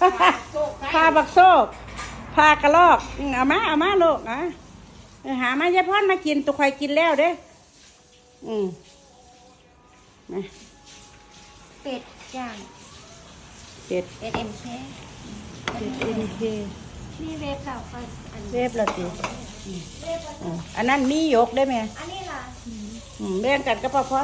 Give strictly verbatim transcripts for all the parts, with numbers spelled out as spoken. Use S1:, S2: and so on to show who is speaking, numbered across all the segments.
S1: พาบักโซกพากระลอกเอามาเอามาลูกนะหามายายพรมากินตุกคอยกินแล้วเด้อืมนะ
S2: เป็ดย่าง
S1: เป็ด
S2: เป็ดเอ็มเค
S1: เป็ดเอ็มเค
S2: นี่เวฟเก่าก็อัน
S1: เวฟละติอันนั้นมียกได้ไหม
S2: อันนี้ล่ะ
S1: แบ่งกันกับพ่อพร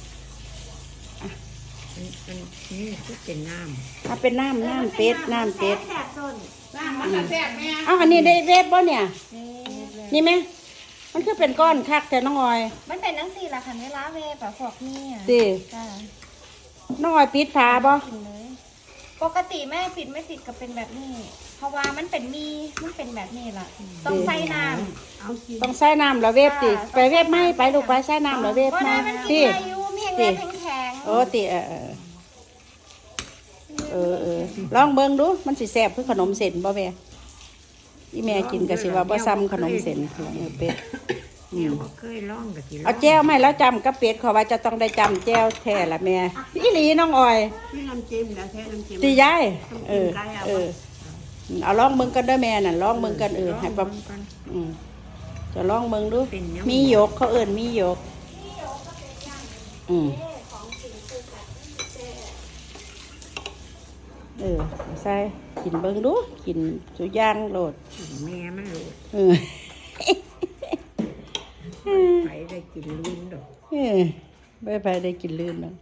S3: อันนี้คือเป็นน้ำ
S1: ถ้าเป็นน้ำน้ำเป็ดน้ำเป็ด
S2: แซ่บต้น
S1: น้ำมันแซ่บแม่อ้าวอันนี้ได้เวฟบ่เนี่ยนี่ไหมมันคือเป็นก้อนคักแต่น้องออย
S2: มันเป็นนังสี่ละคันเวลาเวฟแบบพวกนี้อ่ะ
S1: สิน้องออยปิดฝาบ่
S2: ปกติแม่ปิดไม่ติดก็เป็นแบบนี้เพราะว่ามันเป็นมีมันเป็นแบบนี้ล่ะต้องใส่น้ำ
S1: ต้องใส่น้ำแล้วเวฟติไปเวฟไม่ไปลูกไปใส่น้ำแล้วเวฟ
S2: ไม่
S1: ติ
S2: ติแข็ง
S1: โอ้ติเออเออเออลองเบิ่งดูมันสิแซ่บคือขนมเส้นบ่แม่อีแม่กินก็สิว่าบ่ซ้ำขนมเส้นเป็ด
S3: เคยลองกับกิน
S1: เอาแจ้วไม่แล้วจำกับเป็ดขอว่าจะต้องได้จำแจ้วแท้ละแม่อีหลีน้องออย
S3: นี่น้ำจิ้มแล้วแท้น้ำจิ้ม
S1: ตียายเออเออเอาลองมึงกันด้วยแม่น่ะลองมึงกันเออให้ปั๊บอืมจะลองมึงดูมีหยกเขาเอิ้นมีหยกอืมเออใส่กินเบิ่งดูกินสุย่างโลด
S3: แม่มันโลด
S1: เออ
S3: ไปได้กินลื่นดอก
S1: เออไปไปได้กินลื่นดอก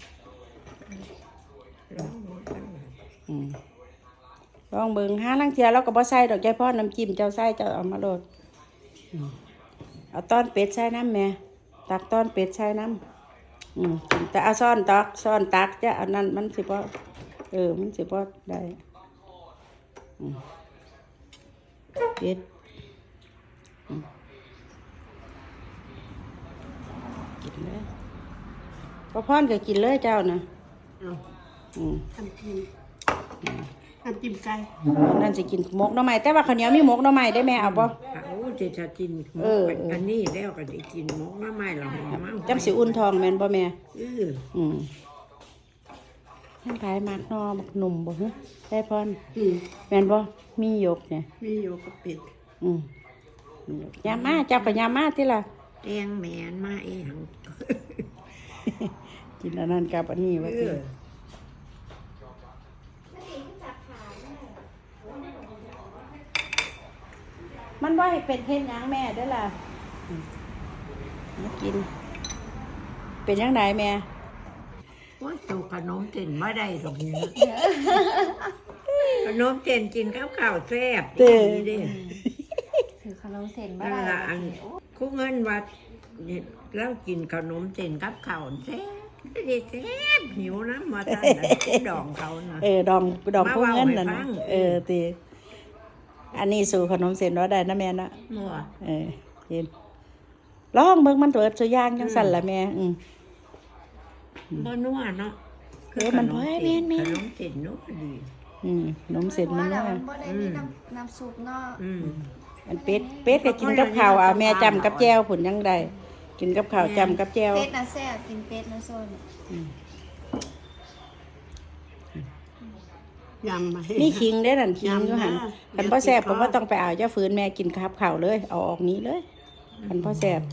S3: ลองเบิ่งกัน
S1: อืมลองเบิ่งหาลังเทียเราก็บ่ใส่ดอกใจพ่อน้ำจิ้มเจ้าใส่เจ้าเอามาโลดเอาต้อนเป็ดใส่น้ำแม่ตักต้อนเป็ดใส่น้ำอืมแต่เอาซ่อนตักซ่อนตักจะอันนั้นมันสิบ่เออมันสิบ่ได้อืมเป็ดกินเลยพ่อพ่อนก็กินเลยเจ้านะอืม
S3: ทำกินทำจิ้มไก่
S1: นั่นสิกินหมกหน่อไม้แต่ว่าข้าวเหนียวมีหมกหน่อไม้ได้แม่เอาบ่
S3: โอ้จะจะกินหมกอันนี้แล้วก็ได้กินหมกหน่อไม้หรอหอม
S1: จังสิอุ่นทองแม่นบ่แม่
S3: อือ
S1: อืมท่านขายมากนอมักหนุ่มบ่ฮะได้พรอืมแม่นบ่มีหยกเนี่ย
S3: มีหยกกับเป็ด
S1: อืมยามาเจ้าก็ยามาติล่ะ
S3: แตงแม่นมาเอง
S1: กินอันนั้นกับอันนี้ว่าติมันว่าให้เป็นเฮ็ดหยังแม่ได้ล่ะมากินเป็นยังไงแม่
S3: โอ้ยตัวขนมเส้นไม่ได้ตรงนี้ขนมเส้นกินข้าวข้าวแซ่บดีดิ
S2: ถือขนมเส้นบ้า
S3: อันคู่เงินวัดแล้วกินขนมเส้นกับข้าวแซ่บดีแซ่บหิวน้ำมาตั้งแต่ดองเขาเนาะ
S1: เออดองดองคู่เงินน่ะเออตีอันนี้สู่ขนมเส้นว่าได้นะแม่นะเออเห็นลองเบิ่งมันเปิดสุย่างจังสั่นล่ะแม่อืม
S3: บ่นัวเนาะ
S1: เออมันพอให้แม่นแม่
S3: ขนมเส้นนัวดี
S1: อืมขนมเส้นมันนัว
S2: บ่ได้มีน้ำน้ำซุปเนาะ
S3: อืม
S1: อันเป็ดเป็ดก็กินกับข้าวอ่ะแม่จำกับแจ่วผุนยังได้กินกับข้าวจำกับแจ่ว
S2: เป็ดน่ะแซ่บกินเป็ดนะโซน
S3: ยำมา
S1: นี่ขิงได้นั่นขิงอยู่หั่นคันบ่แซ่บผมว่าต้องไปเอาเจ้าฝืนแม่กินครับข้าวเลยเอาออกนี้เลยคันบ่แซ่บ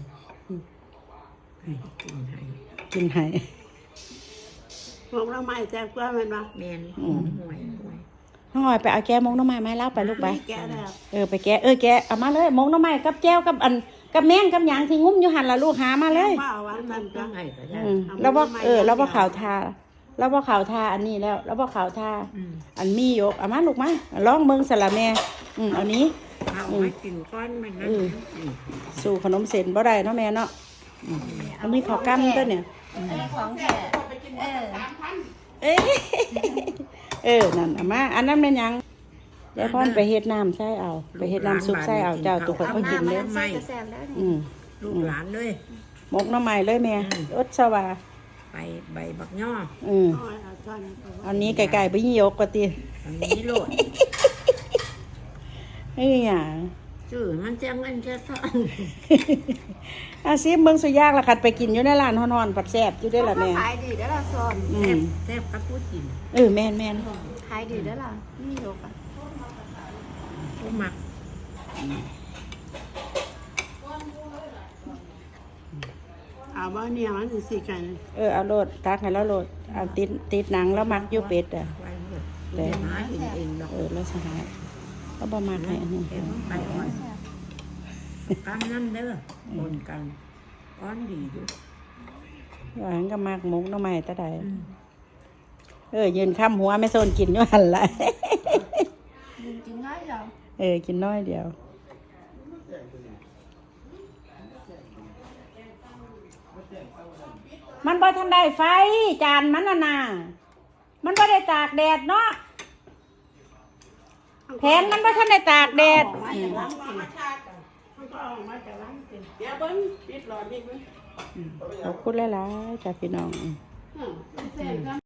S1: กินให้
S3: มกน้ำไม้แซ่บกว่าแม่นบ่แม่นห่วย
S1: น้องออยไปเอาแก้มกน้ำไม้ไม้เล่าไปลูกไปเออไปแก้เออแก้เอามาเลยมกน้ำไม้กับแก้วกับอันกับแมงกับหยางที่งุ้มอยู่หั่นล่ะลูกหามาเลยแล้วบ่เออแล้วบ่ข่าวทาแล้วบ่ข่าวทาอันนี้แล้วแล้วบ่ข่าวทาอันมียกเอามาลูกมาลองเบิ่งสละแม่อืมเอานี้
S3: เอาไว้กินก้อนมันนะ
S1: สู่ขนมเส้นบ่ได้เนาะแม่เนาะอันนี้ข้าวกั้มตัวเนี่ย
S2: ของแท้เออ
S1: เอ้เออนั่นเอามาอันนั้นเป็นยังยายพรไปเฮ็ดน้ำใส่เอาไปเฮ็ดน้ำซุปใส่เอาเจ้าตุกคนก็กินเลย
S3: อืมลูกหลานเลย
S1: หมกน้ำใหม่เลยแม่อดสว่า
S3: ไปใบบักย่อ
S1: อืมอันนี้ไก่ๆไปยี่ยกกว่าตี
S3: อันนี้โลด
S1: เอ้ยอย่าง
S3: จื้อมันจะเงินจะซ่อน
S1: อาซิมเบิ่งสุยากละคัดไปกินอยู่ในร้านฮ้อนๆปัดแซ่บอยู่ได้อล่ะแม่
S2: ขายดีได้อละซอน
S1: อื
S3: แซ่
S1: ม
S3: บแซ่บกับผู้กิน
S1: เออแม่นแม่น
S2: ขายดีได้อละนี่โยกอ่ะ
S3: ผู้หมัก
S4: เอาว่าเนี่ยมันสิสิกัน
S1: เออเอาโลดตักให้แล้วโลดเอาติดติดหนังแล้วมักอยู่เป็ดอ่ะ
S3: ไว้หมดเดี๋ยวหาเองเองดอก
S1: เออแล้วสิหาก็บ่มักให้อันนี้
S3: เอ็มไปอ่อนกำนั่นเด้อปนกันอ้อนดีอยู่
S1: ว่าหันก็มักหมุกหน่อไม้ตะใด
S3: อืม
S1: เออยืนค้ำหัวไม่โซนกินอยู่หั่นล่ะ
S2: จริงๆง่ายจัง
S1: เออกินน้อยเดียว มันบ่ทันได้ไฟจานมันน่ะนะมันบ่ได้ตากแดดเนาะแผนมันบ่ทันได้ตากแดด
S4: มาจากร้านกินมันก็ออกมาจากร้านกินเดี๋ยวเบิ้งปิดหลอดนี่เบิ้ง
S1: ขอบคุณหลายๆจ้าพี่น้อง
S4: อืมเสร็จก็